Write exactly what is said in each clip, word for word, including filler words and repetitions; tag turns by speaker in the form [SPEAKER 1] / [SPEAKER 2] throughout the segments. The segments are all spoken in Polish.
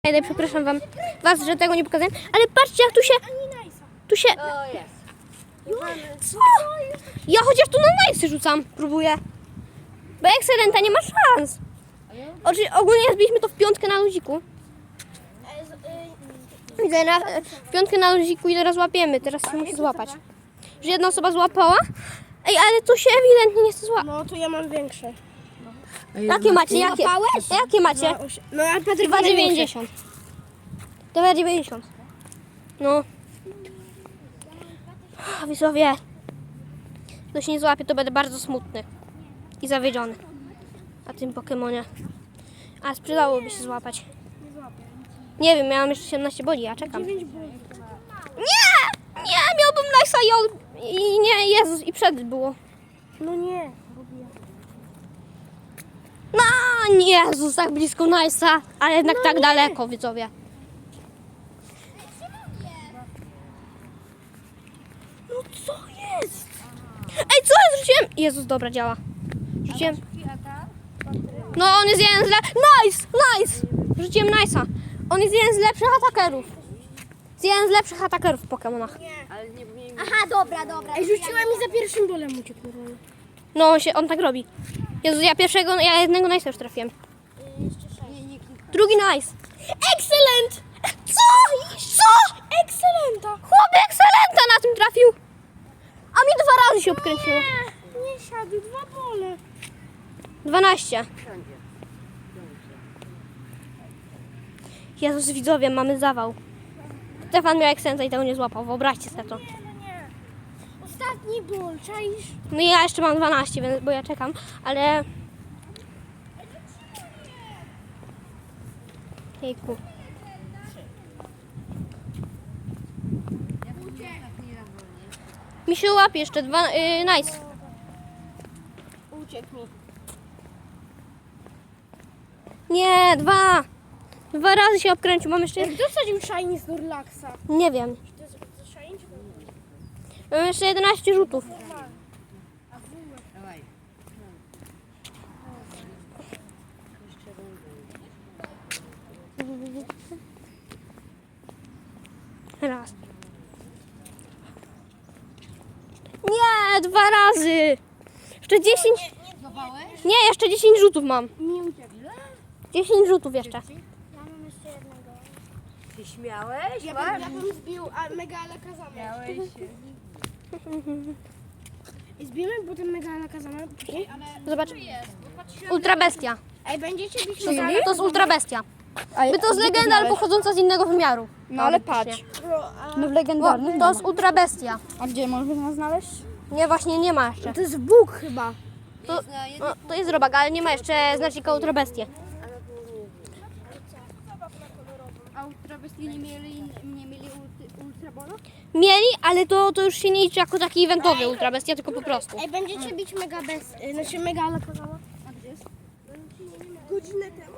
[SPEAKER 1] Przepraszam wam, was, że tego nie pokazałem, ale patrzcie jak tu się, tu się, co? Ja chociaż tu na najsy rzucam, próbuję, bo Excelenta nie ma szans. Oczy, ogólnie zbiliśmy to w piątkę na luziku. Widzę, na, w piątkę na luziku i teraz łapiemy, teraz się musi złapać. Że jedna osoba złapała, ej, ale tu się ewidentnie nie chce złapać.
[SPEAKER 2] No to ja mam większe.
[SPEAKER 1] Jakie macie, jakie, jakie macie?
[SPEAKER 2] No a Patryk
[SPEAKER 1] dwa dziewięćdziesiąt. dwa dziewięćdziesiąt. No. Widzowie. Kto się nie złapie, to będę bardzo smutny. I zawiedziony. Na tym Pokemonie. A sprzedałoby się złapać. Nie wiem, miałam jeszcze siedemnaście boli, ja czekam. Nie! Nie! Miałbym Nice'a i, on- i nie, Jezus, i przed było.
[SPEAKER 2] No nie.
[SPEAKER 1] No, Jezus, tak blisko Nice'a, ale jednak tak daleko, widzowie.
[SPEAKER 2] No co jest?
[SPEAKER 1] Ej, co ja rzuciłem? Jezus, dobra, działa. Rzuciłem. No, on jest jeden z lepszych. Nice! Nice! Rzuciłem Nice'a. On jest jeden z lepszych atakerów. Jest jeden z lepszych atakerów w Pokemonach.
[SPEAKER 3] Aha, dobra, dobra.
[SPEAKER 2] Ej, rzuciłem i za pierwszym bolem uciekł normalnie.
[SPEAKER 1] No, on, się, on tak robi. Jezus, ja pierwszego, ja jednego Nice'a już trafiłem. Drugi Nice. Excellent! Co? Co?
[SPEAKER 2] Excelenta.
[SPEAKER 1] Chłopie, Excellenta na tym trafił. A mi dwa razy się obkręciło.
[SPEAKER 2] Nie, nie siadł, dwa bole.
[SPEAKER 1] dwanaście. Jezus, widzowie, mamy zawał. Stefan miał Excellenta i tego nie złapał. Wyobraźcie sobie to.
[SPEAKER 2] Nie, no nie. Ostatni ból, czaisz?
[SPEAKER 1] No i ja jeszcze mam dwanaście, więc, bo ja czekam, ale... Jejku. Mi się łapie jeszcze dwa... Yy, nice.
[SPEAKER 2] Uciekł mi.
[SPEAKER 1] Nie, dwa. Dwa razy się obkręcił, mam jeszcze...
[SPEAKER 2] Jak dosadził Shiny z Durlaxa?
[SPEAKER 1] Nie wiem.
[SPEAKER 2] To jest to Shiny czy to?
[SPEAKER 1] Mam jeszcze jedenaście rzutów. Raz. Nie, dwa razy. Jeszcze dziesięć. Nie, jeszcze dziesięć rzutów mam.
[SPEAKER 2] Nie uciekł.
[SPEAKER 1] dziesięć rzutów jeszcze.
[SPEAKER 2] Ja mam jeszcze jednego.
[SPEAKER 3] Ty śmiałeś?
[SPEAKER 2] Ja bym, ja bym zbił a, mega alakazamę.
[SPEAKER 3] Śmiałeś się.
[SPEAKER 2] I zbijemy potem mega alakazamę.
[SPEAKER 1] Zobacz. Ultra bestia.
[SPEAKER 2] Ej, będziecie bić
[SPEAKER 1] To,
[SPEAKER 2] mega
[SPEAKER 1] to jest ultra bestia. By to jest legenda, ale pochodząca z innego wymiaru.
[SPEAKER 4] No ale
[SPEAKER 1] Teoretycznie.
[SPEAKER 4] patrz,
[SPEAKER 2] No,
[SPEAKER 4] w
[SPEAKER 1] O,
[SPEAKER 4] legendarnym
[SPEAKER 1] to jest ultra bestia.
[SPEAKER 4] A gdzie można nas znaleźć?
[SPEAKER 1] Nie, właśnie nie ma jeszcze.
[SPEAKER 2] to jest Bóg chyba.
[SPEAKER 1] To, no, to jest robak, ale nie ma jeszcze znacznika ultra bestie.
[SPEAKER 4] A ultra bestii nie mieli, nie mieli ulty, ultra bola?
[SPEAKER 1] Mieli, ale to, to już się nie liczy jako taki eventowy ultra bestia, tylko po prostu.
[SPEAKER 2] Ej, będziecie bić mega bez... y, Znaczy mega alakazamę.
[SPEAKER 4] A gdzie jest?
[SPEAKER 2] Godzinę temu.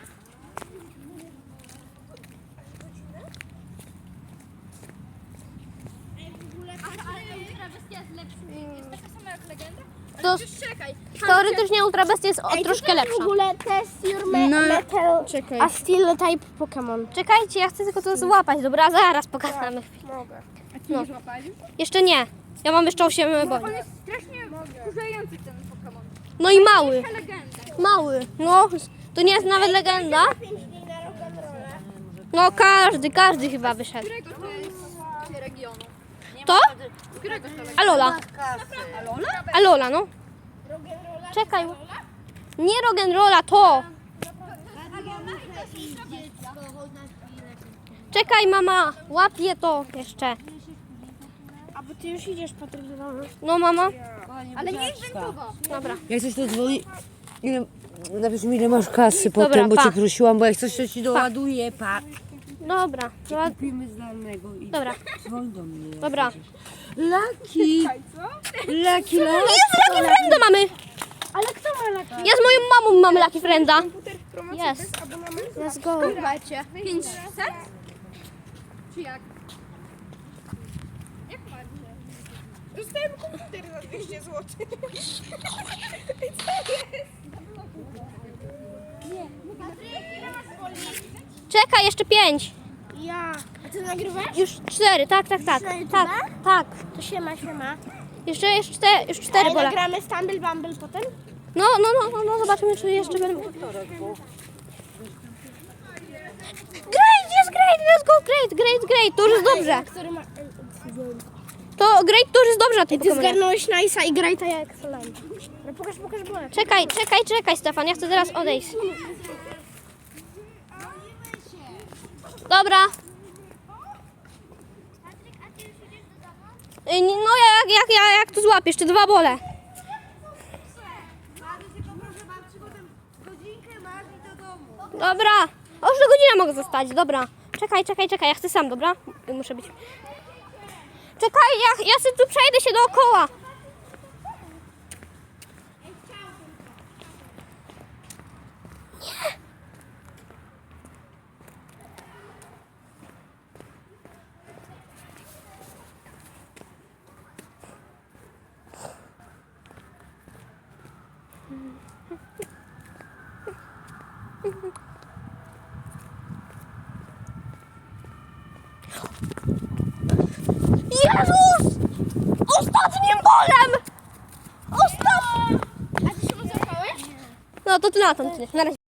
[SPEAKER 1] To, teoretycznie ultra bestia jest o, troszkę
[SPEAKER 2] W
[SPEAKER 1] lepsza.
[SPEAKER 2] ogóle test your me
[SPEAKER 4] No,
[SPEAKER 2] metal
[SPEAKER 4] czekaj.
[SPEAKER 2] a steel type Pokémon.
[SPEAKER 1] Czekajcie, ja chcę tylko to złapać, dobra? Zaraz pokażemy.
[SPEAKER 2] Mogę.
[SPEAKER 1] No. Jeszcze nie. Ja mam jeszcze osiem boli.
[SPEAKER 4] On jest strasznie wkurzający ten Pokémon.
[SPEAKER 1] No i mały.
[SPEAKER 4] Legenda.
[SPEAKER 1] Mały. No, to nie jest nawet legenda.
[SPEAKER 2] pięć dni na rock'n'rolla.
[SPEAKER 1] No każdy, każdy chyba wyszedł.
[SPEAKER 4] Którego to jest regionu?
[SPEAKER 1] To?
[SPEAKER 4] Z którego to regionu?
[SPEAKER 1] Alola.
[SPEAKER 4] Alola?
[SPEAKER 1] Alola, no.
[SPEAKER 2] Rock'n'rolla?
[SPEAKER 1] Czekaj. Nie rock'n'rolla, to. Czekaj, mama. Łapię to jeszcze.
[SPEAKER 2] A bo ty już idziesz, Patryk, do domu.
[SPEAKER 1] No, mama.
[SPEAKER 4] Ale nie inwentował.
[SPEAKER 1] Dobra.
[SPEAKER 5] Jak coś to dzwoni, ile, napisz mi ile masz kasy
[SPEAKER 1] Dobra,
[SPEAKER 5] potem, bo
[SPEAKER 1] pa.
[SPEAKER 5] cię prosiłam, bo jak coś to ci doładuje, pa.
[SPEAKER 1] Dobra. Dobra.
[SPEAKER 5] Kupimy znanego i
[SPEAKER 1] Dobra.
[SPEAKER 5] dzwoń do mnie.
[SPEAKER 1] Dobra.
[SPEAKER 5] Laki! Laki, laki!
[SPEAKER 1] Jest Lucky Frienda mamy.
[SPEAKER 2] Ale kto ma laki?
[SPEAKER 1] Ja z moją mamą mamy Lucky Frienda. Jest.
[SPEAKER 2] Let's go.
[SPEAKER 4] Słuchajcie, pięćset? Czy jak? Jak macie?
[SPEAKER 2] Dostałem komputer za dwieście złotych.
[SPEAKER 4] Nie. Patryk, ile masz wolniej?
[SPEAKER 1] Czekaj, jeszcze pięć.
[SPEAKER 2] Ja. A ty nagrywasz?
[SPEAKER 1] Już cztery, tak, tak, tak.
[SPEAKER 2] Już na YouTube?
[SPEAKER 1] Tak, tak.
[SPEAKER 2] To siema, siema.
[SPEAKER 1] Jeszcze, jeszcze, cztery, już cztery
[SPEAKER 2] Ale
[SPEAKER 1] bole.
[SPEAKER 2] nagramy Stumble Bumble potem?
[SPEAKER 1] No, no, no, no, no, zobaczymy, czy jeszcze będą. Great, jest great, let's go, great, great, great, to już jest dobrze.
[SPEAKER 2] Który ma...
[SPEAKER 1] To great, to już jest dobrze na tym
[SPEAKER 2] Ty
[SPEAKER 1] Pokemonie.
[SPEAKER 2] zgarnąłeś Nice'a i Greata jak Excellent. No pokaż, pokaż bolek.
[SPEAKER 1] Czekaj, czekaj, czekaj, Stefan, ja chcę teraz odejść. Dobra. Y, No jak, jak, jak, jak to złapiesz, te dwa bole. Dobra. O, już do godziny mogę zostać, dobra. Czekaj, czekaj, czekaj, ja chcę sam, dobra? Muszę być. Czekaj, ja, ja sobie tu przejdę się dookoła. Jezus! Ostatnim bolem! Ostatnim!
[SPEAKER 2] A ty się mu złapałeś?
[SPEAKER 1] No to ty na to, na razie.